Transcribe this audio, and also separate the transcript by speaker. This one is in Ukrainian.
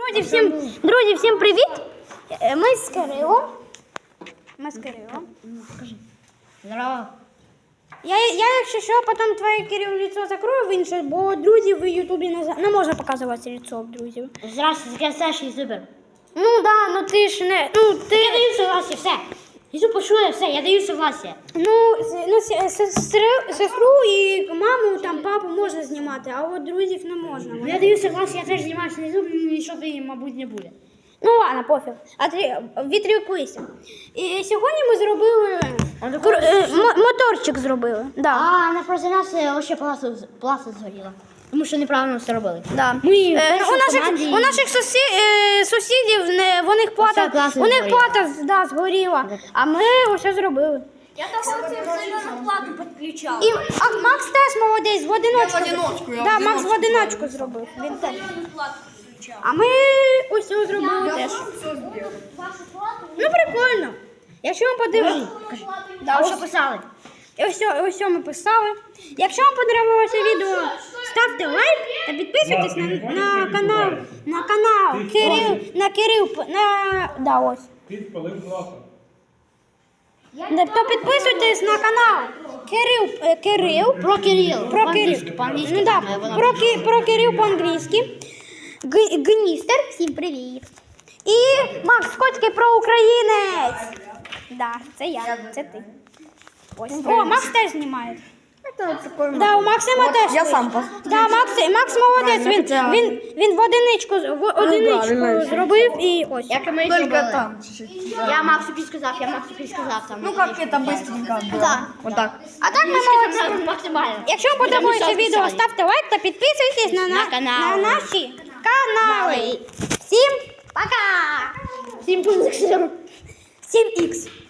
Speaker 1: Друзі, всім привіт! Ми з Кирилом.
Speaker 2: Здорово.
Speaker 1: Я, якщо що, потім твоє Кирил лицо закрою в інше, бо друзів в Ютубі не можна показувати лицо друзів.
Speaker 2: Здравствуйте, таке Саша і Зубер.
Speaker 1: Ну да, ну ти ж не. Ну ти.
Speaker 2: Я даю согласие, все. Ісу почує, все, я даю согласие.
Speaker 1: Сестру і маму, там папу можна знімати, а от друзів не можна.
Speaker 2: Ну, я даю согласие, я теж знімаюся на Ютубі, нічого ти, мабуть, не буде.
Speaker 1: Ну ладно, пофіг. Відрікуйся. І сьогодні ми зробили моторчик зробили. Да.
Speaker 2: А, на проти нас ще пласа згоріла. Тому що неправильно все робили.
Speaker 1: Да.
Speaker 2: Ми
Speaker 1: у наших сусідів у них плата згоріла, а ми усе зробили.
Speaker 3: Я так сильно зарплату підключав.
Speaker 1: А Макс теж молодець, в одиночку.
Speaker 3: Я
Speaker 1: Макс в одиночку зробив. Він теж. А ми ось цього зробили теж. Ну прикольно. Якщо вам подивитися.
Speaker 2: А що писали?
Speaker 1: Ось ми писали. Якщо вам подобалося відео, ставте лайк та підписуйтесь на канал Кирил. Да, ось. То підписуйтесь на канал Кирил.
Speaker 2: Про Кирил.
Speaker 1: По-англійськи. Ну, да, про Кирил по-англійськи. Гністер. Всім привіт. І Макс Коцький про українець. Да, це я, це ти. Ось. О, Макс теж знімає. Да, у Максима теж.
Speaker 3: Я сам
Speaker 1: Да, Макс молодець, він в одиничку зробив і ось.
Speaker 2: Як ми
Speaker 3: Только
Speaker 2: зробили.
Speaker 3: там чуть-чуть.
Speaker 2: Я Максу підсказав там.
Speaker 3: Ну как это быстренько было.
Speaker 1: Да.
Speaker 3: Вот так.
Speaker 1: А так ми молодці.
Speaker 2: Максимально.
Speaker 1: Якщо вам подобається
Speaker 2: Ми
Speaker 1: відео,
Speaker 2: писали.
Speaker 1: ставте лайк та підписуйтесь
Speaker 2: На канал.
Speaker 1: на наші канали. Всім пока!
Speaker 2: Всім позицію.
Speaker 1: 7х.